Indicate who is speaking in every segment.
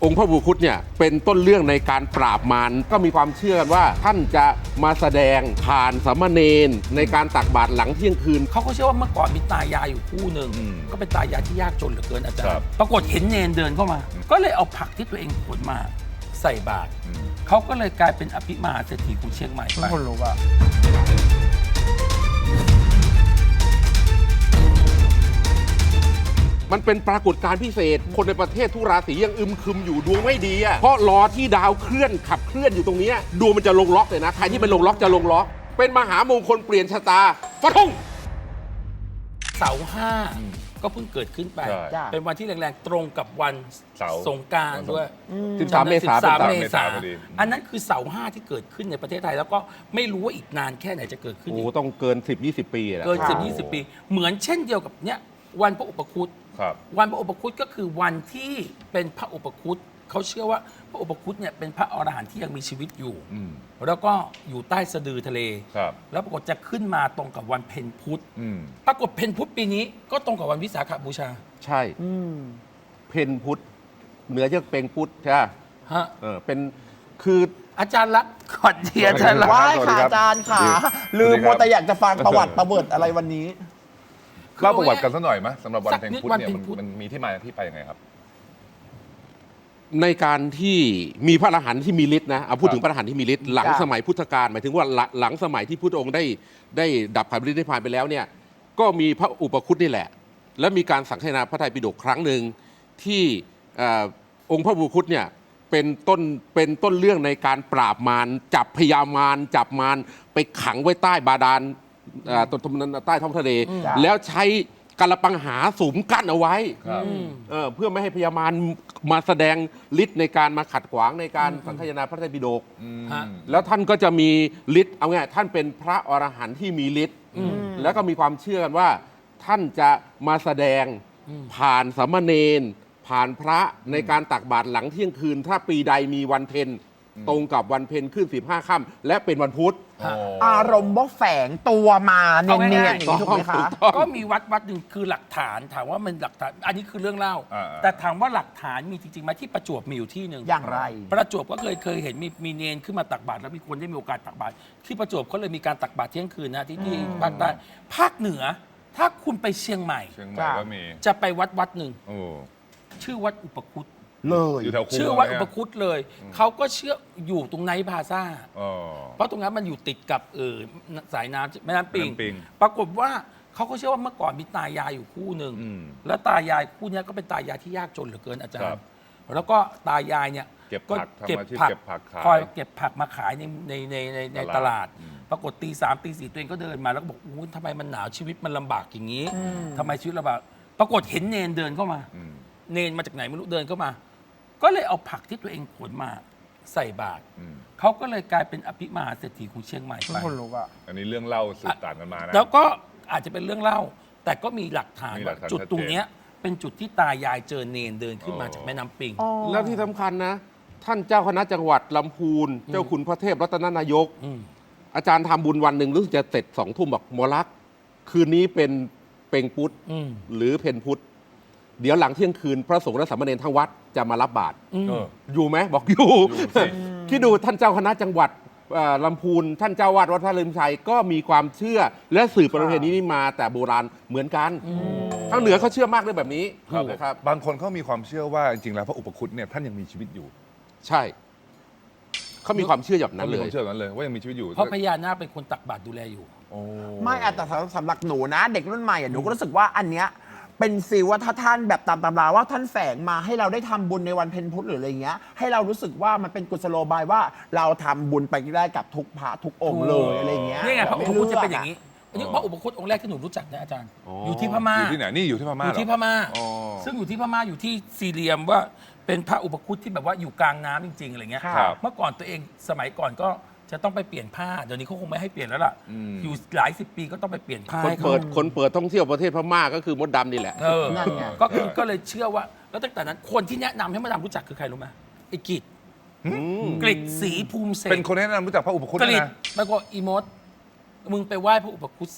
Speaker 1: องค์พระอุปคุตเนี่ยเป็นต้นเรื่องในการปราบมารก็มีความเชื่อกันว่าท่านจะมาแสดงผ่านสามเณรในการตักบาตรหลังเที่ยงคืน
Speaker 2: เขาก็เชื่อว่าเมื่อก่อนมีตายายอยู่คู่หนึ่งก็เป็นตายายที่ยากจนเหลือเกินอาจารย์ปรากฏเห็นเนนเดินเข้ามา ก็เลยเอาผักที่ตัวเองขนมาใส่บาตรเขาก็เลยกลายเป็นอภิมหาเศรษฐีของเชียงใหม่ไป
Speaker 3: คนรู้ว่า
Speaker 1: มันเป็นปรากฏการณ์พิเศษคนในประเทศทุกราศียังอึมครึมอยู่ดวงไม่ดีอ่ะเพราะรอที่ดาวเคลื่อนขับเคลื่อนอยู่ตรงนี้ดวงมันจะลงล็อกเลยนะใครที่เป็นลงล็อกจะลงล็อกเป็นมหามงคลเปลี่ยนชะตาฟันธง
Speaker 2: เสาร์ห้าก็เพิ่งเกิดขึ้นไป
Speaker 4: ใช่
Speaker 3: จ้ะ
Speaker 2: เป็นวันที่แรงๆตรงกับวัน
Speaker 4: เสาร์
Speaker 2: สงกรานต์ด้วย
Speaker 1: 13 เมษายน
Speaker 2: 13 เมษา
Speaker 4: พอดี
Speaker 2: อันนั้นคือเสาร์ห้าที่เกิดขึ้นในประเทศไทย แล้วก็ไม่รู้ว่าอีกนานแค่ไหนจะเกิดขึ้น
Speaker 1: โอ้
Speaker 2: อีก
Speaker 1: ต้องเกิน 10-20 ปีแหละ
Speaker 2: เกิน10-20 ปี เหมือนเช่นเดียวกับเนี้ยวันพระอุปคุต
Speaker 4: ครับ
Speaker 2: วันพระอุปคุตก็คือวันที่เป็นพระอุปคุตเขาเชื่อว่าพระอุปคุตเนี่ยเป็นพระอรหันต์ที่ยังมีชีวิตอยู่
Speaker 4: อืม
Speaker 2: แล้วก็อยู่ใต้สะดือทะเล
Speaker 4: ครับ
Speaker 2: แล้วปรากฏจะขึ้นมาตรงกับวันเพ็ญพุธ
Speaker 4: อืม
Speaker 2: ปรากฏเพ็ญพุธปีนี้ก็ตรงกับวันวิสาขบูชา
Speaker 1: ใช่เพนพุทธเหนือจากเป็งพุทธใช่ไหม
Speaker 2: ฮะ
Speaker 1: เป็นคือ
Speaker 2: อาจารย์รักษณ์ก่อนเทียอาจารย์รักษณ์
Speaker 3: ว่า
Speaker 4: สวัสดี
Speaker 3: ค่ะ
Speaker 4: ครับ
Speaker 3: อาจารย์ค่ะ
Speaker 4: สวัสดี
Speaker 3: ลืม
Speaker 4: ครับ
Speaker 3: มัวแต่อยากจะฟังประวัติประเบิดอะไรวันนี้
Speaker 4: เล่าประวัติกันสักหน่อยไหมสำหรับวัน
Speaker 2: สัก
Speaker 4: เพ็ญ
Speaker 2: นิด
Speaker 4: พุธ
Speaker 2: วัน
Speaker 4: เนี่ย
Speaker 2: เพ็ญพุธ
Speaker 4: มันมีที่มาที่ไปยังไงครับ
Speaker 1: ในการที่มีพระอรหันต์ที่มีฤทธิ์นะเอาพูดถึงพระอรหันต์ที่มีฤทธิ์หลัง
Speaker 3: จ้ะ
Speaker 1: สมัยพุทธกาลหมายถึงว่าหลังสมัยที่พุทธองค์ได้ดับขันธ์ฤทธิ์นิพพานไปแล้วเนี่ยก็มีพระอุปคุตนี่แหละ และมีการสังคายนาพระไตรปิฎกครั้งหนึ่งที่องค์พระอุปคุตเนี่ยเป็นต้นเรื่องในการปราบมารจับพญามารจับมารไปขังไว้ใต้บาดาลใต้ท้องทะเล
Speaker 3: จ้ะ
Speaker 1: แล้วใช้กระปังหาสุมกั้นเอาไว้
Speaker 4: ครับ
Speaker 1: เพื่อไม่ให้พญามารมาแสดงฤทธิ์ในการมาขัดขวางในการสังคายนาพระไตรปิฎก
Speaker 2: ฮะ
Speaker 1: แล้วท่านก็จะมีฤทธิ์เอาไงท่านเป็นพระอรหันต์ที่มีฤทธิ์แล้วก็มีความเชื่อกันว่า ท่านจะมาแสดงผ่านสามเณรผ่านพระในการตักบาตรหลังเที่ยงคืน ถ้าปีใดมีวันเพ็ญตรงกับวันเพ็ญขึ้น15 ค่ำและเป็นวันพุธ
Speaker 3: อารมณ์ว่าแฝงตัวมาเนียนๆอย่างนี้ถูกไหมคะ
Speaker 2: ก็มีวัดหนึ่งคือหลักฐานถามว่ามันหลักฐานอันนี้คือเรื่องเล่า
Speaker 4: อ่า
Speaker 2: แต่ถามว่าหลักฐานมีจริงๆไหมที่ประจวบมีอยู่ที่หนึ่ง
Speaker 3: อย่างไร
Speaker 2: ประจวบก็เคยเห็นมีเนนขึ้นมาตักบาตรแล้วมีคนได้มีโอกาสตักบาตรที่ประจวบเขาเลยมีการตักบาตรเที่ยงคืนนะที่ภาคใต้ภาคเหนือ ถ้าคุณไปเชียงใหม่
Speaker 4: เชียงใหม่ก็มี
Speaker 2: จะไปวัดหนึ่ง
Speaker 4: โอ้
Speaker 2: ชื่อวัดอุปคุต
Speaker 3: เลย
Speaker 4: อยู่แถวคู
Speaker 2: ชื่อวัด
Speaker 4: เย
Speaker 2: อุปคุตเลย เขาก็เชื่ออยู่ตรงไนท์พลาซ่า
Speaker 4: อ๋อ
Speaker 2: เพราะตรงนั้นมันอยู่ติดกับสายน้ำแม่น้ำปิง
Speaker 4: แม่น้ำปิง
Speaker 2: ปรากฏว่าเขาก็เชื่อว่าเมื่อก่อนมีตายายอยู่คู่หนึ่ง
Speaker 4: อืม
Speaker 2: แล้วตายายคู่เนี้ยก็เป็นตายายที่ยากจนเหลือเกินอาจาร
Speaker 4: ครั
Speaker 2: ย์
Speaker 4: บ
Speaker 2: แล้วก็ตายายเนี่ย
Speaker 4: เก็บ
Speaker 2: ก็
Speaker 4: ผักทำ
Speaker 2: เก็บ
Speaker 4: อาชีพ
Speaker 2: ผัก
Speaker 4: เก็บผักขาย
Speaker 2: คอยเก็บผักมาขายในตลาด
Speaker 4: อืม
Speaker 2: ปรากฏตี 3ตี 4ตัวเองก็เดินมาแล้วก็บอกอู้ทำไมมันหนาวชีวิตมันลำบากอย่างนี้ทำไมชีวิตลำบากปรากฏเห็นเนนเดินเข้ามา
Speaker 4: อืม
Speaker 2: เนนมาจากไหนไม่รู้เดินเข้ามา ก็เลยเอาผักที่ตัวเองขนมาใส่บาตร
Speaker 4: อืม
Speaker 2: เขาก็เลยกลายเป็นอภิมหาเศรษฐีของเชียงใหม่ไป
Speaker 3: คนรู้ว่า
Speaker 4: อันนี้เรื่องเล่าสืบต่างกันมานะ
Speaker 2: แล้วก็อาจจะเป็นเรื่องเล่า แต่ก็มีหลักฐาน
Speaker 4: มีหลั
Speaker 2: ว่าก
Speaker 4: ฐาน
Speaker 2: จุด
Speaker 4: ชัดเจน
Speaker 2: ตรงเนี้ยเป็นจุดที่ตายายเจอเนนเดินขึ้นมา
Speaker 4: อ๋อ
Speaker 2: จากแม่น้ำปิง
Speaker 1: แล้วที่สำคัญนะ ท่านเจ้าคณะจังหวัดลำพูน เจ้าคุณพระเทพรัตนนายก
Speaker 2: ม
Speaker 1: อาจารย์ทำบุญวันหนึ่งรู้สึกจะเสร็จ2 ทุ่มบอกหมอลักษณ์คืนนี้เป็นเป็งพุธ
Speaker 2: อืม
Speaker 1: หรือเพนพุธเดี๋ยวหลังเที่ยงคืนพระสงฆ์และสามเณรทั้งวัดจะมารับบาตร
Speaker 4: เออ
Speaker 1: อยู่ไหมบอกอยู่
Speaker 4: อยู่สิ
Speaker 1: คิดดูท่านเจ้าคณะจังหวัดลำพูน ท่านเจ้าวาดวัดพระลืมชัยก็มีความเชื่อและสืบประเพณีนี้มาแต่โบราณเหมือนกันทางเหนือเขาเชื่อมากเรื่องแบบนี้
Speaker 4: ครับ
Speaker 1: นะครับ
Speaker 4: บางคนเขามีความเชื่อว่าจริงๆแล้วพระอุปคุตเนี่ยท่านยังมีชีวิตอยู่
Speaker 1: ใช่เขามีความเชื่อแบบนั้น
Speaker 4: ขา
Speaker 1: เล
Speaker 4: มีควาย มเชื่อแบบนั้นเลยว่ายังมีชีวิตอยู่
Speaker 2: เพราะพญานาคเป็นคนตักบาตรดูแลอยู่
Speaker 4: โอ้
Speaker 3: ไม่อะแต่สำหรับหนูนะ เด็กรุ่นใหม่อะหนูก็รู้สึกว่าอันเนี้ยเป็นฟีลว่าถ้าท่านแบบตามตำราว่าท่านแฝงมาให้เราได้ทำบุญในวันเพ็ญพุธหรืออะไรเงี้ยให้เรารู้สึกว่ามันเป็นกุศโลบายว่าเราทำบุญไปได้กับทุกพระทุกองค์เลยอะไรเงี้ย
Speaker 2: นี่ไงพระอุปคุตจะเป็นอย่าง
Speaker 3: นี้
Speaker 2: นี้อันนี้พระอุปคุตองค์แรกที่หนูรู้จักนะอาจารย์ อยู่ที่พม่า
Speaker 4: อยู่ที่ไหนนี่อยู่ที่พ
Speaker 2: อ
Speaker 4: ม่า
Speaker 2: ยู่
Speaker 4: เหรอ
Speaker 2: ที่พม่า
Speaker 4: อ๋อ
Speaker 2: ซึ่งอยู่ที่พม่าอยู่ที่ซีเรียมว่าเป็นพระอุปคุตที่แบบว่าอยู่กลางน้ำจริงๆอะไรเงี้ย
Speaker 4: ครับ
Speaker 2: เมื่อก่อนตัวเองสมัยก่อนก็จะต้องไปเปลี่ยนผ้าเดี๋ยวนี้เขาคงไม่ให้เปลี่ยนแล้วล่ะ
Speaker 4: อืม
Speaker 2: อยู่หลายสิบปีก็ต้องไปเปลี่ยนผ้า
Speaker 1: คน
Speaker 2: ให้เขา
Speaker 1: เปิดท่องเที่ยวประเทศพม่าก็คือมดดำนี่แหละ
Speaker 3: นั่นไง
Speaker 2: ก็เลยเชื่อว่า แล้วตั้งแต่นั้นคนที่แนะนำให้มาดามรู้จักคือใครรู้ไหมไอ้กิจกฤษศรีภูมิเศรษ
Speaker 4: เป็นคนแนะนำรู้จักพระอุปคุต
Speaker 2: กฤษ
Speaker 4: นะ
Speaker 2: แล้วก็อีมดมึงไปไหว้พระอุปคุตสิ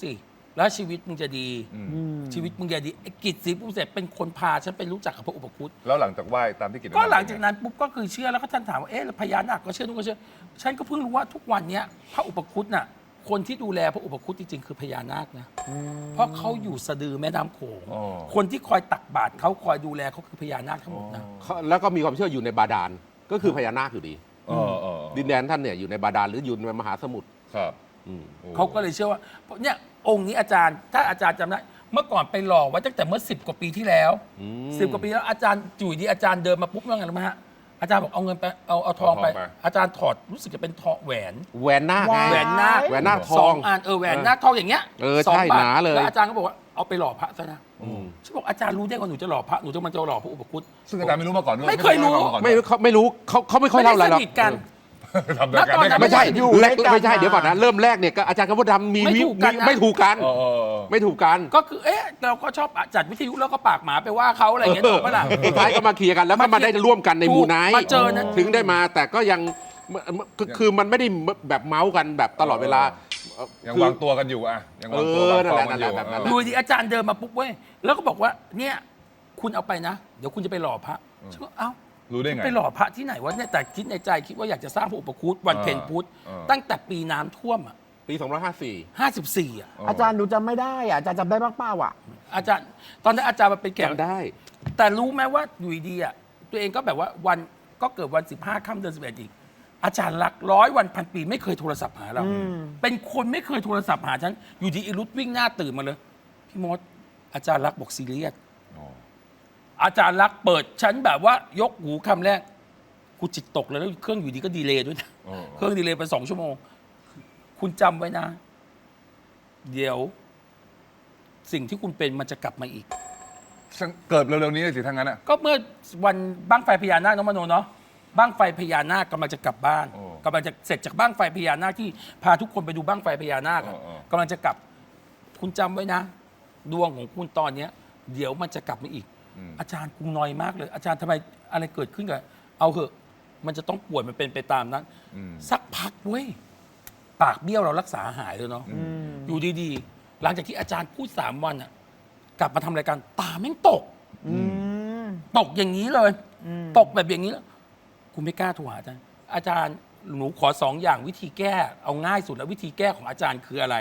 Speaker 2: แล้วชีวิตมึงจะดี
Speaker 4: อืม
Speaker 2: ชีวิตมึงจะดีไอ้กิจศรีภูมิเสร็จเป็นคนพาฉันไปรู้จักกับพระอุปคุต
Speaker 4: แล้วหลังจากไหว้ตามที่กิจ
Speaker 2: ก็หลังจากนั้นปุ๊บก็คือเชื่อแล้วก็ท่านถามว่าเอ๊ะแล้วพญานาคก็เชื่อทุกคนเชื่อฉันก็เพิ่งรู้ว่าทุกวันเนี้ยพระอุปคุตน่ะคนที่ดูแลพระอุปคุตจริงๆคือพญานาคนะเพราะเขาอยู่สะดือแม่น้ำโขง
Speaker 4: อ๋อ
Speaker 2: คนที่คอยตักบาตรเขาคอยดูแลเขาคือพญานาคทั้งหมดนะ
Speaker 1: แล้วก็มีความเชื่ออยู่ในบาดาลก็คือพญานาคอยู่ดี
Speaker 4: อ๋อ
Speaker 1: ดินแดนท่านเนี่ยอยู่ในบาดาลหรืออยู่ในมหาสมุทร
Speaker 4: ครับ
Speaker 1: อืม
Speaker 4: โอ้
Speaker 2: เขาก็เลยเชื่อว่าเนี่ยองค์นี้อาจารย์ถ้าอาจารย์จำได้เมื่อก่อนไปหล่อไว้ตั้งแต่เมื่อ10 กว่าปีที่แล้ว 10 กว่าปีแล้วอาจารย์อยู่ดีอาจารย์เดินมาปุ๊บว่าไงรู้ไหมฮะอาจารย์บอกเอาเงินไปเอาทองไป อาจารย์ถอดรู้สึกจะเป็นทองแหวน
Speaker 1: แหวนนาคไง
Speaker 2: แหวนนาค
Speaker 1: แหวนนาคท
Speaker 2: ส
Speaker 1: อ
Speaker 2: อง งอันแหวนนาคทองอย่างเงี้ย
Speaker 1: ใช่
Speaker 2: 2 บาท
Speaker 1: หนาเลย
Speaker 2: แล้วอาจารย์ก็บอกว่าเอาไปหล่อพระซะนะ
Speaker 1: อืม
Speaker 2: ฉันบอกอาจารย์รู้ได้ว่าหนูจะหล่อพระหนูจะมันจะหล่อพระอุปคุต
Speaker 4: ซึ่งอาจารย์ไม่รู้มาก่อนด้วย
Speaker 2: ไม่เคยรู้
Speaker 1: ไม่รู้เขาไม่ค่อยเล่าอะไรหรอก
Speaker 2: ม่ด้สนิทกัน
Speaker 4: ทำด้วยกัน
Speaker 2: แล้วตอนนั้น
Speaker 1: ไม่ใช่
Speaker 3: อยู่
Speaker 1: แรก
Speaker 3: ด้วยกัน
Speaker 1: ไม่ใช่
Speaker 3: มา
Speaker 1: เดี๋ยวก่อนนะเริ่มแรกเนี่ยก็อาจารย์กับมดดำมี
Speaker 2: ไม่ถูกกันนะ
Speaker 1: ไม่ถูกกัน
Speaker 4: เออ
Speaker 1: ไม่ถูกกัน
Speaker 2: ก็คือเอ๊ะเราก็ชอบจัดวิทยุแล้วก็ปากหมาไปว่าเขาอะไรอย่างเงี้ยถูกปะล่ะ
Speaker 1: สุดท้ายก็มาเคลียร์กันแล้วก็มาได้ร่วมกันใน
Speaker 2: ถูก
Speaker 1: หมู่ไนท์
Speaker 2: มาเจอนะ
Speaker 1: ถึงได้มาแต่ก็ยังคือมันไม่ได้แบบเมาส์กันแบบตลอดเวลา
Speaker 4: ยัง
Speaker 1: คือ
Speaker 4: วางตัวกันอยู่อะยังวางตัววางฟอร์มกันอยู่
Speaker 1: นั่นแหละ
Speaker 2: ดูดิอาจารย์เดินมาปุ๊บเว้ยแล้วก็บอกว่าเนี่ยคุณเอาไปนะ เดี๋ยวคุณจะไปหล่อพระฉันก็เอ้า
Speaker 4: รู้ได้ไง
Speaker 2: ไปหล่อพระที่ไหนวะเนี่ยแต่คิดในใจคิดว่าอยากจะสร้างพระอุปคุตวันเพ็ญพุธ ตั้งแต่ปีน้ำท่วมอ่ะ
Speaker 1: ปี254
Speaker 2: 54อ่ะ
Speaker 3: อาจารย์ดูจำไม่ได้อ่ะอาจารย์จำได้บ้างเปล่าอ่ะ
Speaker 2: อาจารย์ตอนนั้นอาจารย์มาเป็นแขก
Speaker 1: จำได้
Speaker 2: แต่รู้ไหมว่าอยู่ดีๆอ่ะตัวเองก็แบบว่าวันก็เกิดวัน15 ค่ำเดือน11อีกอาจารย์รัก100 วันพันปีไม่เคยโทรศัพท์หาเรา เป็นคนไม่เคยโทรศัพท์หาฉันอยู่ดีอีรุดวิ่งหน้าตื่นมาเลยพี่มดอาจารย์รักบอกซีเรียส
Speaker 4: อ๋อ
Speaker 2: อาจารย์รักเปิดฉันแบบว่ายกหูคำแรกกูจิตตกเลยแล้วเครื่องอยู่ดีก็ดีเลย์ด้วยนะ
Speaker 4: อ๋อ
Speaker 2: เครื่องดีเลย์ไป2 ชั่วโมง คุณจำไว้นะ เดี๋ยว สิ่งที่คุณเป็นมันจะกลับมาอีก
Speaker 4: เกิดเร็วๆนี้เลยสิทั้งนั้นอะ
Speaker 2: ก็เมื่อวันบั้งไฟพญานาคน้องมโนเนาะบั้งไฟพญานาคกำลังจะกลับบ้าน
Speaker 4: โอ้
Speaker 2: กำลังจะเสร็จจากบั้งไฟพญานาคที่พาทุกคนไปดูบั้งไฟพญานาคอะ
Speaker 4: เออ
Speaker 2: กำลังจะกลับ คุณจำไว้นะ ดวงของคุณตอนเนี้ย เดี๋ยวมันจะกลับมาอีก อาจารย์กูนอยมากเลย อาจารย์ทำไมอะไรเกิดขึ้นกับเอาเหอะ มันจะต้องป่วยมันเป็นไปตามนั้น สักพักเว้ยปากเบี้ยวเรารักษาหายเลยเนาะอยู่ดีๆ หลังจากที่อาจารย์พูด3 วันอะกลับมาทำรายการตาแม่งตก ตกอย่างนี้เลย ตกแบบอย่างนี้แล้วกูไม่กล้าโทรหาอาจารย์ อาจารย์หนูขอ2 อย่างวิธีแก้เอาง่ายสุดแล้ววิธีแก้ของอาจารย์คืออะไร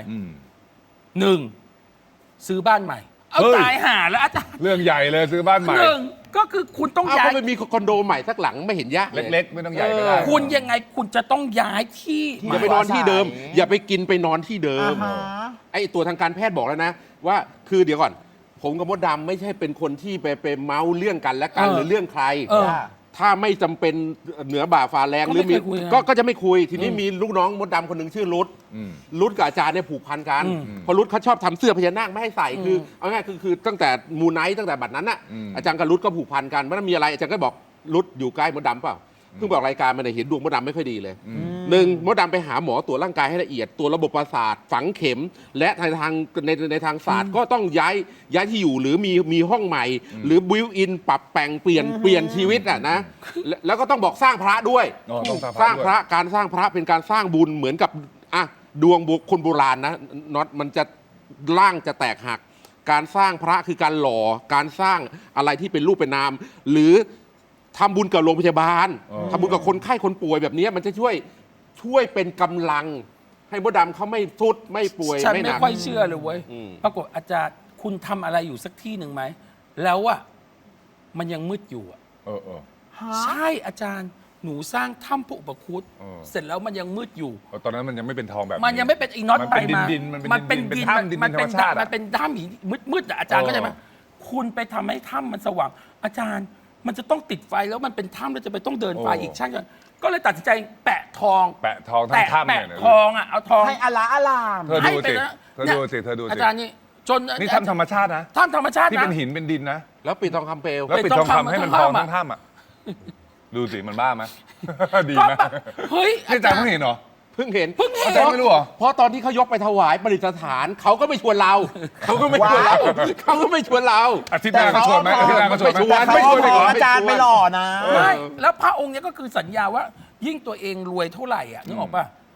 Speaker 2: 1. ซื้อบ้านใหม่ เอา
Speaker 4: เฮ้ย
Speaker 2: ตายห่าแล้วอาจารย์
Speaker 4: เรื่องใหญ่เลยซื้อบ้านใหม่
Speaker 2: 1. ก็คือคุณต้อง
Speaker 1: เอา
Speaker 2: ย้า
Speaker 1: ก็
Speaker 2: ย
Speaker 1: ไปมีคอนโดใหม่สักหลังไม่เห็นยากเลย
Speaker 4: เล็กๆ ไม่ต้องใหญ่ก็ได้
Speaker 2: คุณยังไงคุณจะต้องย้ายที่
Speaker 1: อย่าไปนอนที่เดิม อย่าไปกินไปนอนที่เดิม
Speaker 3: อ่าฮะ
Speaker 1: ไอ้ตัวทางการแพทย์บอกแล้วนะ ว่าคือเดี๋ยวก่อน ผมกับมดดำไม่ใช่เป็นคนที่ไปเมาส์เรื่องกันและกันหรือเรื่องใคร ถ้าไม่จำเป็นเหนือบ่าฝ่าแรงหรือมีก็จะไม่คุย ทีนี้มีลูกน้องมดดำคนหนึ่งชื่อรุด รุดกับอาจารย์เนี่ยผูกพันกันเพราะรุดเขาชอบทำเสื้อพญานาคไม่ให้ใส่คือเอาง่ายคือตั้งแต่มูไนท์ตั้งแต่บัดนั้นน่ะอาจารย์กับรุดก็ผูกพันกันว่ามีอะไรอาจารย์ก็บอกรุดอยู่ใกล้มดดำเปล่าเพิ่งบอกรายการมาเนี่ยเห็นดวงมดดำไม่ค่อยดีเลย1มดดำไปหาหมอตรวจร่างกายให้ละเอียดตัวระบบประสาทฝังเข็ม และในทางศาสตร์ก็ต้องย้ายที่อยู่หรือมีห้องใหม่ หรือบิวอินปรับแต่งเปลี่ยนชีวิตอ่ะนะแล้วก็ต้องบอกสร้างพระด้วย
Speaker 4: อ๋อต้องส
Speaker 1: ส
Speaker 4: ร้า
Speaker 1: ร้าง ง
Speaker 4: พ
Speaker 1: พ
Speaker 4: ระ
Speaker 1: ระการสร้างพระเป็นการสร้างบุญเหมือนกับอ่ะดวงบุคคลโบราณนะน็อตมันจะร่างจะแตกหัก การสร้างพระคือการหล่อการสร้างอะไรที่เป็นรูปเป็นนาม หรือทำบุญกับโรงพยาบาลทำบุญกับคนไข้คนป่วยแบบนี้มันจะช่วยเป็นกำลัง ให้มดดำเขาไม่ทุดไม่ป่วย
Speaker 2: ฉัน
Speaker 1: ไม่ห
Speaker 2: ไม่
Speaker 1: นัก
Speaker 2: ค่อยเชื่อเลยเว้ย
Speaker 1: อืม
Speaker 2: ปรากฏอาจารย์คุณทำอะไรอยู่สักที่หนึ่งไหมแล้วอะมันยังมืดอยู่อะ
Speaker 4: เออ
Speaker 2: ใช่อาจารย์หนูสร้างถ้ำพระอุปคุต
Speaker 4: เออ
Speaker 2: เสร็จแล้วมันยังมืดอยู่
Speaker 4: ตอนนั้นมันยังไม่เป็นทองแบบ
Speaker 2: มันยังไม่เป็นอีน็อต
Speaker 4: มัน
Speaker 2: ไป
Speaker 4: เป็น
Speaker 2: มา
Speaker 4: ดินๆมันเป็นดินเป็นถ้ำดิน
Speaker 2: มันเป็น
Speaker 4: ธรรมชาติอะ
Speaker 2: มันเป็นถ้ำหินมืดๆอะอาจารย์
Speaker 4: เออ
Speaker 2: เข้าใจไหมคุณไปทำให้ถ้ำมันสว่าง อาจารย์มันจะต้องติดไฟแล้วมันเป็นถ้ำแล้วจะไปต้องเดินไฟอีกช่างกันก็เลยตัดสินใจแปะทอง
Speaker 4: แปะทองทั้งถ้ำเนี่ย
Speaker 2: แปะทองอะเอาทอง
Speaker 3: ให้อลาอลาม
Speaker 4: เธอ
Speaker 2: ให้
Speaker 4: ดู
Speaker 2: ไป
Speaker 4: สิ
Speaker 2: นะ
Speaker 4: เธอดูสิเธอดู
Speaker 2: อา
Speaker 4: สิ
Speaker 2: จารย์นี่จน
Speaker 4: นี่ถ้ำธรรมชาตินะ
Speaker 2: ถ้ำธรรมชาติ
Speaker 4: ที่
Speaker 2: นะ
Speaker 4: เป็นหินเป็นดินนะ
Speaker 1: แล้วปิดทองคำเปลว
Speaker 4: แล้วปิดทองคำให้มันทองทั้งถ้ำอ่ะ ดูสิมันบ้าไหม ดี
Speaker 2: ก็
Speaker 4: ไหม
Speaker 2: แบบเฮ้ย
Speaker 4: นี่อาจารย์เพิ่งเห็นเหรอ
Speaker 1: เพิ่งเห็น
Speaker 4: อาจารย์ไม่รู้เหรอ
Speaker 1: เพราะตอนที่เขายกไปถวายประดิษฐานเขาก็ไม่ชวนเรา เขาก็ไม่ชวนเราเขาก็ไม่ชวนเรา
Speaker 4: อาทิตย์หน้าก็ชวนไหมอาทิตย์หน้าก็ชวนไหม
Speaker 3: แต่เขา
Speaker 1: ไม่ชวน
Speaker 3: ขออาจารย์ไปหล่อนะ
Speaker 2: ใช่แล้วพระองค์เนี้ยก็คือสัญญาว่า ยิ่งตัวเองรวยเท่าไหร่อ่ะนึกออกป่ะ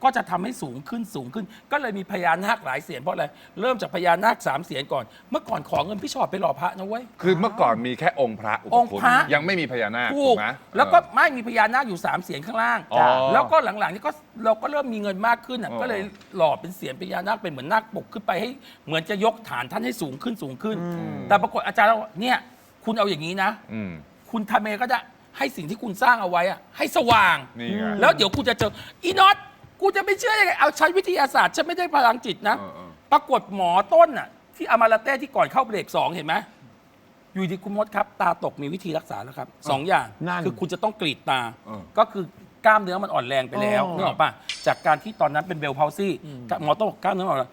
Speaker 2: ก็จะทำให้สูงขึ้นสูงขึ้น ก็เลยมีพญานาคหลายเสียนเพราะอะไรเริ่มจากพญานาค3 เสียนก่อน เมื่อก่อนขอเงินพี่ชอดไปหล่อพระนะเว้ย
Speaker 4: คือเมื่อก่อนมีแค่องค์พระอุป
Speaker 2: องค์
Speaker 4: คุฎ
Speaker 2: พระ
Speaker 4: ยังไม่มีพญานาค
Speaker 2: ถู
Speaker 4: ถู
Speaker 2: ก
Speaker 4: กไหม
Speaker 2: แล้วก็ไม่มีพญานาคอยู่3 เสียนข้างล่าง
Speaker 4: อ๋อ
Speaker 2: แล้วก็หลังๆนี่ก็เราก็เริ่มมีเงินมากขึ้นอ่ะ
Speaker 4: อ๋อ
Speaker 2: ก็เลยหล่อเป็นเสียนพญานาคเป็นเหมือนนาคปกขึ้นไปให้เหมือนจะยกฐานท่านให้สูงขึ้นสูงขึ้น แต่ปรากฏอาจารย์เราบอกเนี่ยคุณเอาอย่างนี้นะ
Speaker 4: อืม
Speaker 2: คุณทำเองก็จะให้สิ่งที่คุณสร้างเอาไว้อะให้สว่าง
Speaker 4: นี่ไง
Speaker 2: แล้วเดี๋ยวคุณจะเจออีน็อตกูจะไม่เชื่อยังไงเอาใช้วิทยาศาสตร์ฉันไม่ได้พลังจิตนะ
Speaker 4: เออ
Speaker 2: ปรากฏหมอต้นน่ะที่อามาลาเต้ที่ก่อนเข้าเบรก2เห็นไหมอยู่ดีคุณมดครับ ตาตกมีวิธีรักษาแล้วครับ2 อย่าง
Speaker 3: นั่น
Speaker 2: คือคุณจะต้องกรีดตา
Speaker 4: เออ
Speaker 2: ก็คือกล้ามเนื้อมันอ่อนแรงไปแล้ว
Speaker 3: อ๋อ
Speaker 2: นึกออกป่ะจากการที่ตอนนั้นเป็นเบลพาวซี่หมอต้องบอกกล้ามเนื้ออ่อนแรง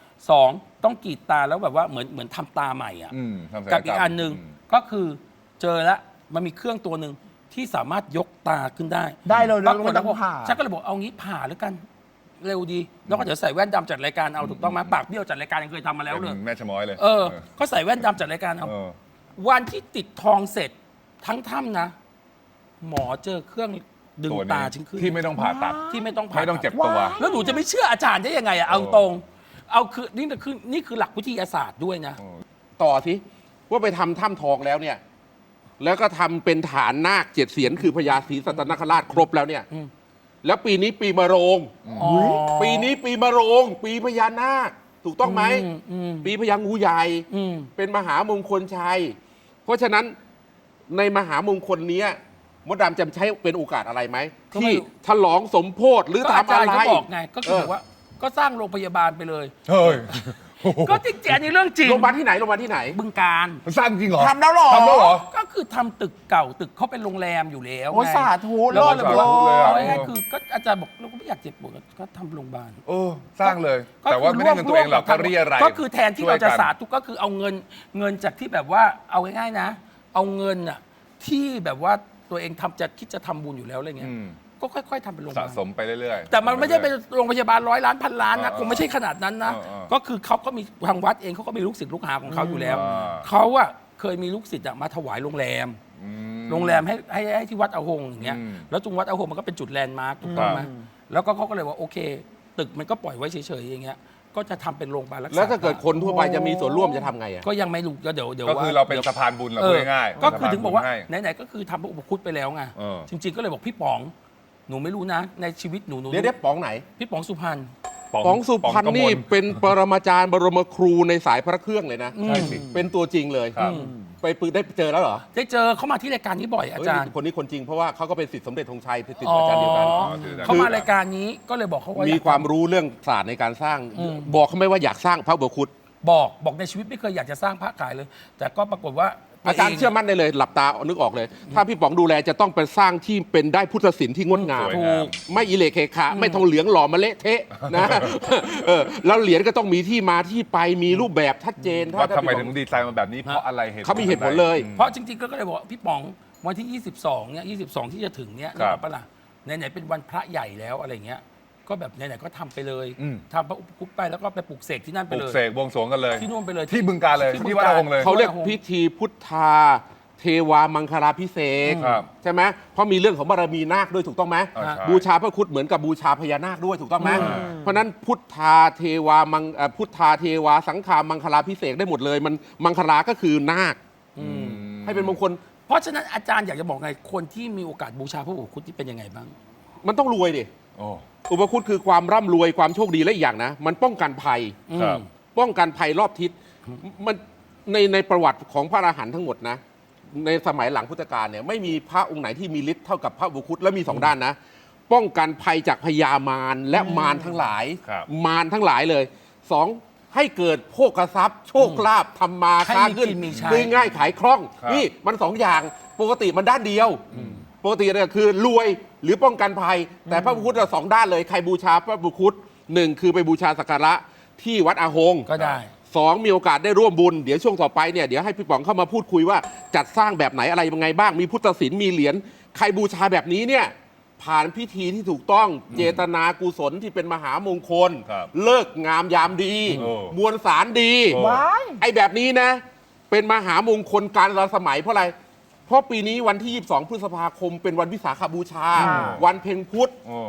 Speaker 2: 2ต้องกรีดตาแล้วแบบว่าเหมือนทำตาใหม่อ่ะ
Speaker 4: อืมทำศัลย
Speaker 2: กับอีกอันหนึ่ง
Speaker 4: ม
Speaker 2: ก็คือเจอแล้วมันมีเครื่องตัวหนึ่งที่สามารถยกตาขึ้นได้
Speaker 3: ได้เลย
Speaker 2: ปรากฏ
Speaker 3: ไม่ต้องผ่า
Speaker 2: ฉันก็เลยบอกเอางี้ผ่าแล้วกัน เร็วดี แล้วก็เดี๋ยวใส่แว่นดำจัดรายการเอาถูกต้องไหมปากเบี้ยวจัดรายการยังเคยทำมาแล้วเลย
Speaker 4: เป็นแม่ชะม้อยเลย
Speaker 2: ก็ใส่แว่นดำจัดรายการเอา
Speaker 4: เออ
Speaker 2: วันที่ติดทองเสร็จทั้งถ้ำนะ หมอเจอเครื่องดึง
Speaker 4: ตัว
Speaker 2: ตา
Speaker 4: นี้
Speaker 2: ฉันขึ้น
Speaker 4: ที่ไม่ต้องผ่าตัด
Speaker 2: ที่ไม่ต้องผ่า
Speaker 4: ไม่ต้องเจ็บ
Speaker 2: ตัด
Speaker 4: ตัว
Speaker 2: แล้วหนูจะไม่เชื่ออาจารย์ได้ยังไงอะเอาตรง เอาคือนี่คือหลักวิทยาศาสตร์ด้วยนะ
Speaker 1: ต่อสิว่าไปทำถ้ำทองแล้วเนี่ย แล้วก็ทำเป็นฐานนาค7 เสียนคือพญาศรีสัตนคราชครบแล้วเนี่ย
Speaker 2: อืม
Speaker 1: แล้วปีนี้ปีมะโรง
Speaker 2: อ๋อ
Speaker 1: ปีนี้ปีมะโรง ปีพญานาคถูกต้องไหม
Speaker 2: อืม
Speaker 1: ปีพญางูใหญ่
Speaker 2: อืม
Speaker 1: เป็นมหามงคลชัย เพราะฉะนั้นในมหามงคลเนี้ยมดดำจะใช้เป็นโอกาสอะไรไหม
Speaker 2: ก็ไม่
Speaker 1: ที่
Speaker 2: รู้
Speaker 1: ฉลองสมโพธิหรือ
Speaker 2: ก็อา
Speaker 1: ทำ
Speaker 2: จาร
Speaker 1: อะ
Speaker 2: ย์
Speaker 1: ไร
Speaker 2: ก็บอกไงก็คือแบบว่าก็สร้างโรงพยาบาลไปเลย
Speaker 4: เฮ้ย
Speaker 2: ก็จริงๆอันนี้เรื่องจริง
Speaker 1: โรงพยาบาลที่ไหนโรงพยาบาลที่ไหน
Speaker 2: บึงการ
Speaker 4: มันสร้างจริงเหรอ
Speaker 3: ทำแล้วเหรอ
Speaker 4: ทำแล้วเหรอ
Speaker 2: ก็คือทำตึกเก่าตึกเขาเป็นโรงแรมอยู่แล้ว
Speaker 3: โอ้
Speaker 2: ไง
Speaker 3: สาธุ
Speaker 2: แล้วก็เลยบอกว่า
Speaker 4: สาธุเลยอะ
Speaker 2: เอาง่ายๆคือก็อาจารย์บอกเราก็ไม่อยากเจ็บปวดก็ทำโรงพยาบาล
Speaker 4: โอ้สร้างเลย แต่ว่าไม่ได้เงินตัวเองหรอกก็เรียอะไรย
Speaker 2: ก็คือแทนที่เราจะ
Speaker 4: ช่วยกัน
Speaker 2: สาธุก็คือเอาเงินจากที่แบบว่าเอาง่ายๆนะ เอาเงินอะที่แบบว่าตัวเองทำจะคิดจะทำบุญอยู่แล้วอะไรเงี้ย
Speaker 4: อืม
Speaker 2: ก็ค่อยๆทำเป็นโรงพยา
Speaker 4: สะ
Speaker 2: บาล
Speaker 4: สมไปเรื่อยๆ
Speaker 2: แต่มันไม่ได้เป็นโรงพยาบาล100 ล้านพันล้านนะ
Speaker 4: เออ
Speaker 2: คงไม่ใช่ขนาดนั้นนะ
Speaker 4: เออเออ
Speaker 2: ก็คือเขาก็มีทางวัดเองเขาก็มีลูกศิษย์ลูกหาของเขาอยู่แล้ว
Speaker 4: อ่า
Speaker 2: เขาอะเคยมีลูกศิษย์อะมาถวายโรงแรม
Speaker 4: อืม
Speaker 2: โรงแรมให้ที่วัดอาหงอย่างเงี้ย
Speaker 4: อืม
Speaker 2: แล้วตรงวัดอาหงมันก็เป็นจุดแลนด์มาร์คถูกต้องไหม
Speaker 4: ครับ
Speaker 2: แล้วก็เขาก็เลยว่าโอเค ตึกมันก็ปล่อยไว้เฉยๆอย่างเงี้ยก็จะทำเป็นโรงพยาบาลรักษา
Speaker 1: แล้วถ้าเกิดคนทั่วไปจะมีส่วนร่วมจะทำไงอ่ะ
Speaker 2: ก็ยังไม่รู้ก็เดี๋ยว
Speaker 4: ก็คือเราเป็นสะพานบุญเราพูดง่ายๆ
Speaker 2: ก็คือถึงบอกว่า
Speaker 4: สะพนบุญให้
Speaker 2: ไหนๆก็คือทำพระอุปคุตไปแล้วไง
Speaker 4: เออ
Speaker 2: จริง ๆ ก็เลยบอกพี่ป๋องหนูไม่รู้นะ ในชีวิตหนู
Speaker 1: เดี๋ยวป๋องไหน
Speaker 2: พี่ป๋องสุพรรณ
Speaker 1: ป๋องสุพรรณ
Speaker 4: ป๋องกมล
Speaker 1: นี่เป็นปรมาจารย์บรมครูในสายพระเครื่องเลยนะ
Speaker 2: อืม
Speaker 4: ใช่สิ
Speaker 1: เป็นตัวจริงเลย
Speaker 4: ครับ
Speaker 1: ไปปึกได้เจอแล้วเหรอ
Speaker 2: ได้เจอเขามาที่รายการนี้บ่อยอาจารย์
Speaker 1: เฮ้ยคนนี้คนจริงเพราะว่าเขาก็เป็นศิษย์สมเด็จธงชัยเป็นศิษย์อาจารย์เดียวกัน
Speaker 2: อ๋อ
Speaker 4: คือ
Speaker 2: เขามารายการนี้ก็เลยบอกเขาว่า
Speaker 1: มี
Speaker 2: มี
Speaker 1: ความรู้เรื่องศาสตร์ในการสร้าง
Speaker 2: อืม
Speaker 1: บอกเขาไหม่ว่าอยากสร้างพระอุปคุต
Speaker 2: บอกในชีวิตไม่เคยอยากจะสร้างพระขายเลย แต่ก็ปรากฏว่า
Speaker 1: อาจารย์เชื่อมั่นได้เลยหลับตานึกออกเลย ถ้าพี่ป๋องดูแลจะต้องเป็นสร้างที่เป็นได้พุทธศิลป์ที่งดงาม
Speaker 4: สวย
Speaker 2: ถู
Speaker 4: งาม
Speaker 2: ก
Speaker 1: ไม่อิเลเคขะไม่ทองเหลืองหล่อมาเละเทะนะแล้วเหรียญก็ต้องมีที่มาที่ไปมีรูปแบบชัดเจน
Speaker 4: ว่าทำไม
Speaker 1: พี่
Speaker 4: ถึ
Speaker 1: ป๋
Speaker 4: ง
Speaker 1: อ
Speaker 4: ดีไซน์มาแบบนี้เพราะอะไร
Speaker 1: เขามีเหตุผลเลย
Speaker 2: เพราะจริงๆก็เลยบอกว่าพี่ป๋องวันที่ 22เนี่ย22 ที่จะถึงเนี่ย
Speaker 4: ครับ
Speaker 2: นึกออกปะล่ะไหนๆเป็นวันพระใหญ่แล้วอะไรเงี้ยก็แบบไหนๆก็ทำไปเลย
Speaker 4: อืม
Speaker 2: ทำพระอุปคุตไปแล้วก็ไปปลูกเสกที่นั่น
Speaker 4: ป
Speaker 2: ไป
Speaker 4: ลู
Speaker 2: เล
Speaker 4: ก
Speaker 2: ย
Speaker 4: เสกบวงสรวงกันเลย
Speaker 2: ที่นู่นไปเลย
Speaker 4: ที่บึงการเลย
Speaker 2: ที่บึง
Speaker 4: ที่วัดอาหงเลย
Speaker 1: เขาเรียกพิธีพุทธาเทวามังคลาพิเศษก
Speaker 4: ครับ
Speaker 1: ใช่ไหมเพราะมีเรื่องของบารมีนาคด้วยถูกต้องไหม
Speaker 4: อ่าใช่
Speaker 1: บูชาพระครุฑเหมือนกับบูชาพญานาคด้วยถูกต้องไหมเพราะฉะนั้นพุทธาเทวามังพุทธาเทวาสังฆามังคลาพิเศษกได้หมดเลยมันมังคลาก็คือนาคให้เป็นมงคล
Speaker 2: เพราะฉะนั้นอาจารย์อยากจะบอกไงคนที่มีโอกาสบูชาพระอุปคุตที่เป็นยังไงบ้าง
Speaker 1: มันต้องรวยดิ
Speaker 4: โอ้
Speaker 1: อุปคุตคือความร่ำรวยความโชคดีและอีกอย่างนะ มันป้องกันภัย
Speaker 4: ครับ
Speaker 1: ป้องกันภัยรอบทิศมันในประวัติของพระอรหันต์ทั้งหมดนะ ในสมัยหลังพุทธกาลเนี่ยไม่มีพระองค์ไหนที่มีฤทธิ์เท่ากับพระอุปคุตและมีสองด้านนะ ป้องกันภัยจากพญามารและมารทั้งหลาย
Speaker 4: ครับ
Speaker 1: มารทั้งหลายเลยสองให้เกิดโภคทรัพย์ โชคลาภทำมา
Speaker 2: ให้
Speaker 1: ค้า
Speaker 2: มี
Speaker 1: ขึ้น
Speaker 2: กินมีใช้
Speaker 1: ซื้อง่ายขายคล่อง
Speaker 4: ครับ
Speaker 1: นี่มันสองอย่างปกติมันด้านเดียว ปกติเนี่ยคือรวยหรือป้องกันภัย แต่พระอุปคุตเราสองด้านเลยใครบูชาพระอุปคุตหนึ่งคือไปบูชาสักการะที่วัดอาหง
Speaker 2: ก็ได้
Speaker 1: สองมีโอกาสได้ร่วมบุญเดี๋ยวช่วงต่อไปเนี่ยเดี๋ยวให้พี่ป๋องเข้ามาพูดคุยว่าจัดสร้างแบบไหนอะไรยังไงบ้างมีพุทธศิลป์มีเหรียญใครบูชาแบบนี้เนี่ยผ่านพิธีที่ถูกต้องเจตนากุศลที่เป็นมหามงคล
Speaker 4: ครับ
Speaker 1: เลิกงามยามดี
Speaker 4: โอ้
Speaker 1: มวลสารดี
Speaker 4: โอ้
Speaker 3: ว้าย
Speaker 1: ไอ้แบบนี้นะ เป็นมหามงคลการละสมัยเพราะอะไร เพราะปีนี้วันที่ 22 พฤษภาคมเป็นวันวิสาขบูชา วันเพ็ญพุธ
Speaker 4: โอ้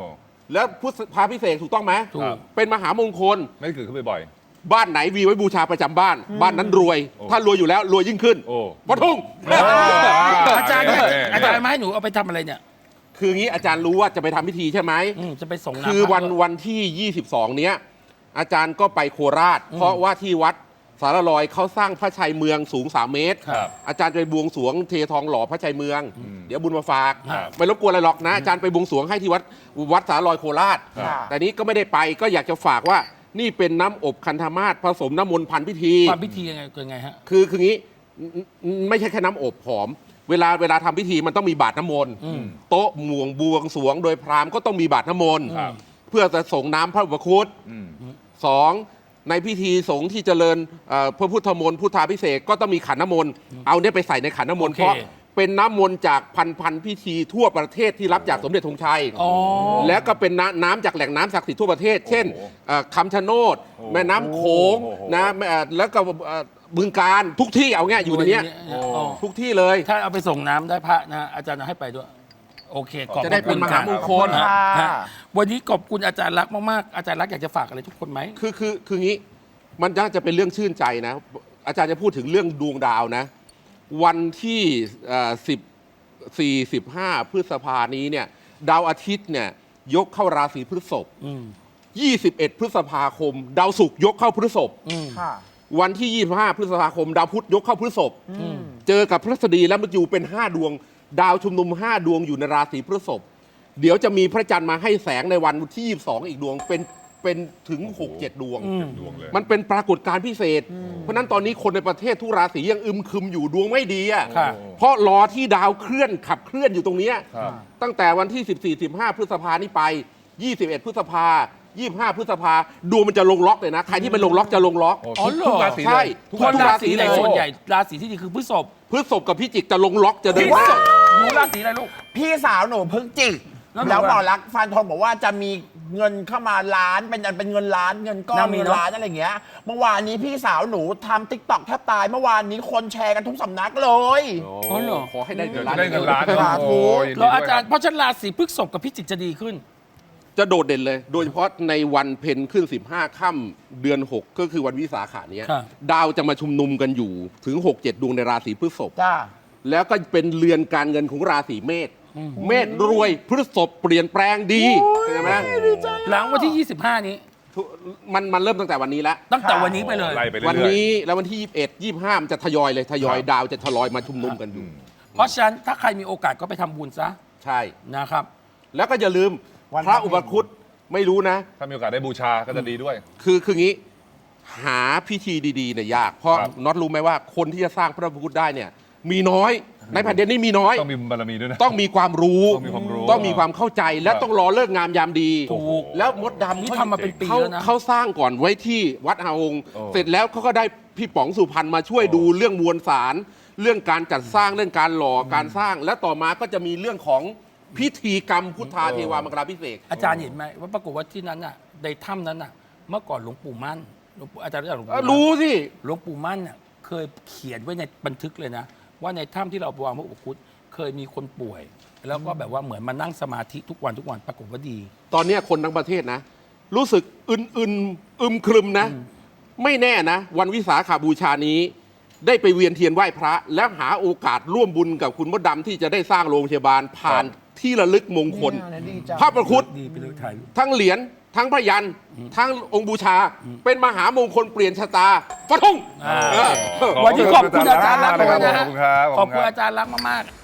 Speaker 1: แล้วพุทธพาพิเศษกถูกต้องไหม
Speaker 2: ถูก
Speaker 1: เป็นมหามงคล
Speaker 4: ไม่ได้เกิดขึ้นบ่อย
Speaker 1: บ้านไหนมีไว้บูชาประจำบ้าน บ้านนั้นรวย
Speaker 4: โอ้
Speaker 1: ถ้ารวยอยู่แล้วรวยยิ่งขึ้น
Speaker 4: โอ้
Speaker 1: พอทุ่ง
Speaker 2: อาจารย์
Speaker 4: เออ
Speaker 2: อาจารย์มาให้หนูเอาไปทำอะไรเนี่ย
Speaker 1: คืองี้อาจารย์รู้ว่าจะไปทำพิธีใช่ไหม
Speaker 2: จะไปส่งน้ำ
Speaker 1: คือ
Speaker 2: พระด้วย
Speaker 1: วันที่ 22 เนี้ยอาจารย์ก็ไปโคราช เพราะว่าที่วัดสารลอยเขาสร้างพระชัยเมืองสูง 3 เมตร
Speaker 4: ครับ
Speaker 1: อาจารย์จะไปบวงสรวงเททองหล่อพระชัยเมือง เดี๋ยวบุญมาฝาก
Speaker 4: ครับ
Speaker 1: ไม่รบกวนอะไรหรอกนะอาจารย์ไปบวงสรวงให้ที่วัดสารลอยโคราช
Speaker 3: ครับ
Speaker 1: แต่นี้ก็ไม่ได้ไปก็อยากจะฝากว่านี่เป็นน้ำอบคันธมาศผสมน้ำมนต์พันพิธี
Speaker 2: ความพิธียังไงเกินไงฮะ
Speaker 1: คืองี้ไม่ใช่แค่น้ำอบหอม เวลาทำพิธีมันต้องมีบาตรน้ำมนต์โต๊ะหม่วงบวงสรวงโดยพราหมณ์ก็ต้องมีบาตรน้ำมนต์
Speaker 4: ครับ
Speaker 1: เพื่อจะส่งน้ำพระอุปคุต
Speaker 4: อืม
Speaker 1: สองในพิธีสงฆ์ที่เจริญพระพุทธมนต์พุทธาภิเษกก็ต้องมีขันน้ำมนต์เอาเนี่ยไปใส่ในขันน้ำมนต์
Speaker 2: โอเค
Speaker 1: เพราะเป็นน้ำมนต์จากพันพิธีทั่วประเทศที่รับจากสมเด็จธงชัย
Speaker 2: อ๋อ
Speaker 1: แล้วก็เป็นน้ำจากแหล่งน้ำศักดิ์สิทธิ์ทั่วประเทศ เช่นคำชะโนด แม่น้ำโขง
Speaker 4: โอ้โห
Speaker 1: นะแล้วก็บึงการทุกที่เอาง่ายอยู่ในเนี้ย
Speaker 2: อ๋อ
Speaker 1: ทุกที่เลย
Speaker 2: ถ้าเอาไปส่งน้ำได้พระนะอาจารย์เอาให้ไปด้วย โอเคขอบ
Speaker 1: จะได้เป็น
Speaker 2: คุณ
Speaker 1: มหามงคล
Speaker 2: ฮะ
Speaker 3: ค่ะ
Speaker 2: ฮะวันนี้ขอบคุณอาจารย์รักษณ์มากๆอาจารย์รักษณ์อยากจะฝากอะไรทุกคนไหม
Speaker 1: คืองี้มันน่าจะเป็นเรื่องชื่นใจนะ อาจารย์จะพูดถึงเรื่องดวงดาวนะ วันที่15 พฤษภานี้เนี่ยดาวอาทิตย์เนี่ยยกเข้าราศีพฤษภ 21 พฤษภาคม ดาวศุกร์ยกเข้าพฤษภ
Speaker 3: ค่ะ
Speaker 1: วันที่ 25 พฤษภาคม ดาวพุธยกเข้าพฤษภเจอกับพฤษฎีและมฤตยูเป็น 5 ดวง ดาวชุมนุม 5 ดวงอยู่ในราศีพฤษภเดี๋ยวจะมีพระจันทร์มาให้แสงในวันที่ 22 อีกดวงเป็นถึง 6-7 ดวง
Speaker 4: ดวงเลย
Speaker 1: มันเป็นปรากฏการณ์พิเศษ เพราะฉะนั้นตอนนี้คนในประเทศทุกราศียังอึมครึมอยู่ดวงไม่ดีอ่ะ
Speaker 2: ค่ะ
Speaker 1: เพราะรอที่ดาวเคลื่อนขับเคลื่อนอยู่ตรงเนี้ย
Speaker 4: ครับ
Speaker 1: ตั้งแต่วันที่ 14-15 พฤษภานี้ไป 21 พฤษภา 25 พฤษภาดวงมันจะลงล็อกเลยนะ ใครที่เป็นลงล็อกจะลงล็อก
Speaker 4: โอ้
Speaker 2: อ๋อ
Speaker 4: ทุก
Speaker 2: เหรอ
Speaker 4: ราศี
Speaker 1: ใช่
Speaker 4: เลย
Speaker 1: ทุก
Speaker 2: คนราศีไหน
Speaker 1: เลย
Speaker 2: ส่วนใหญ่ราศีที่ดีคือพฤษภ
Speaker 1: พฤษภกับพิจิกจะลงล็อกจะเดิน
Speaker 2: พฤ
Speaker 1: หน้า
Speaker 2: ษภหนูราศีอะไรลูก
Speaker 3: พี่สาวหนูเพิ่งจิก
Speaker 2: แล้วหนู
Speaker 3: แล้วหมอ
Speaker 2: อะ
Speaker 3: รักษณ์ฟันธงบอกว่าจะมีเงินเข้ามาล้านเป็นเงินล้านเงินก้อน
Speaker 2: น่ามี
Speaker 3: เงิน
Speaker 2: เนอะ
Speaker 3: ล้านอะไรอย่างเงี้ยเมื่อวานนี้พี่สาวหนูทำติ๊กต็อกแทบตายเมื่อวานนี้คนแชร์กันทุกสำนักเลย
Speaker 2: อ๋อเหรอ
Speaker 1: ขอให้ได้
Speaker 4: เดี๋
Speaker 1: เงิ
Speaker 4: ยวน
Speaker 1: ล้าน
Speaker 4: จะได้เงินล้าน
Speaker 3: สาธุ
Speaker 4: โอ้ย
Speaker 2: แล้วอาจารย์เพราะฉะนันราศีพฤษภกับพิจิกจะดีขึ้น
Speaker 1: จะโดดเด่นเลย โดยเฉพาะในวันเพ็ญขึ้น 15 ค่ำเดือน 6 ก็คือวันวิสาขะเนี้ย
Speaker 2: ครับ
Speaker 1: ดาวจะมาชุมนุมกันอยู่ถึง 6-7 ดวงในราศีพฤษภ
Speaker 3: จ้า
Speaker 1: แล้วก็เป็นเรือนการเงินของราศีเมษเมษรวยพฤษภเปลี่ยนแปลงดีใช่ไหม
Speaker 2: หลังวันที่ 25 นี้
Speaker 1: มันเริ่มตั้งแต่วันนี้แล้ว
Speaker 2: ตั้งแต่วันนี้ไปเลย
Speaker 4: ไล่ไปเรื่อยๆ
Speaker 1: วันนี้แล้ววันที่ 21 25 มันจะทยอยเลยทยอยดาวจะทยอยมาชุมนุมกันอยู่
Speaker 2: เพราะฉะนั้นถ้าใครมีโอกาสก็ไปทำบุญซะ
Speaker 1: ใช่
Speaker 2: นะครับ
Speaker 1: แล้วก็อย่าลืม
Speaker 3: วัน
Speaker 1: พระอุปคุตไม่รู้นะ
Speaker 4: ถ้ามีโอกาสได้บูชาก็จะดีด้วย
Speaker 1: คืองี้หาพิธีดีๆเนี่ยยาก เพราะ
Speaker 4: ครับ
Speaker 1: น็อตรู้ไหมว่าคนที่จะสร้างพระอุปคุตได้เนี่ยมีน้อย ในแผ่นดินนี้มีน้อย
Speaker 4: ต้องมีบารมีด้วยนะ
Speaker 1: ต้องมีความรู้
Speaker 4: ต้องมีความรู้
Speaker 1: ต้องมีความเข้าใจและ
Speaker 4: ครับ
Speaker 1: ต้องรอเลิกงามยามดี
Speaker 2: ถูก
Speaker 1: แล้วมดดำ
Speaker 2: นี่ทำมาเป็นปี
Speaker 1: เขา
Speaker 2: แล้วนะ
Speaker 1: เขาสร้างก่อนไว้ที่วัดอาหง
Speaker 4: โอ้
Speaker 1: เสร็จแล้วเขาก็ได้พี่ป๋องสุพรรณมาช่วย
Speaker 4: โอ้
Speaker 1: ดูเรื่องมวลสาร เรื่องการจัดสร้างเรื่องการหล่อการสร้าง และต่อมาก็จะมีเรื่องของพิธีกรรมพุทธาเทวามกราภิเษก
Speaker 2: อาจารย์เห็นไหมว่าปรากฏว่าที่นั้นน่ะในถ้ำนั้นน่ะ เมื่อก่อนหลวงปู่มั่นอาจารย์รู้จักหลวงปู่มั่น
Speaker 1: รู้สิ
Speaker 2: หลวงปู่มั่นน่ะเคยเขียนไว้ในบันทึกเลยนะ ว่าในถ้ำที่เราวางพระอุปคุตเคยมีคนป่วย แล้วก็แบบว่าเหมือนมานั่งสมาธิทุกวันปรากฏว่าดี
Speaker 1: ตอนเนี้ยคนทั้งประเทศนะ รู้สึกอึมครึมนะ ไม่แน่นะ วันวิสาขาบูชานี้ ได้ไปเวียนเทียนไหว้พระ แล้วหาโอกาสร่วมบุญกับคุณมดดำที่จะได้สร้างโรงพยาบาลผ่านที่ระลึกมงคล
Speaker 3: เนี่ยดีจัง
Speaker 1: พระประคุต
Speaker 2: ดีไปเลยถ่ายรูป
Speaker 1: ทั้งเหรียญทั้งพระยันทั้งองค์บูชา เป็นมหามงคลเปลี่ยนชะตาฟะทุ่ง
Speaker 2: อ่า
Speaker 1: เออ
Speaker 2: วันนี้ขอบคุณอาจารย์รักษณ์
Speaker 4: ขอบ
Speaker 2: มาก
Speaker 4: คุณ
Speaker 2: นะ
Speaker 4: ครับ
Speaker 2: ขอบคุณอาจารย์รักษณ์มากๆ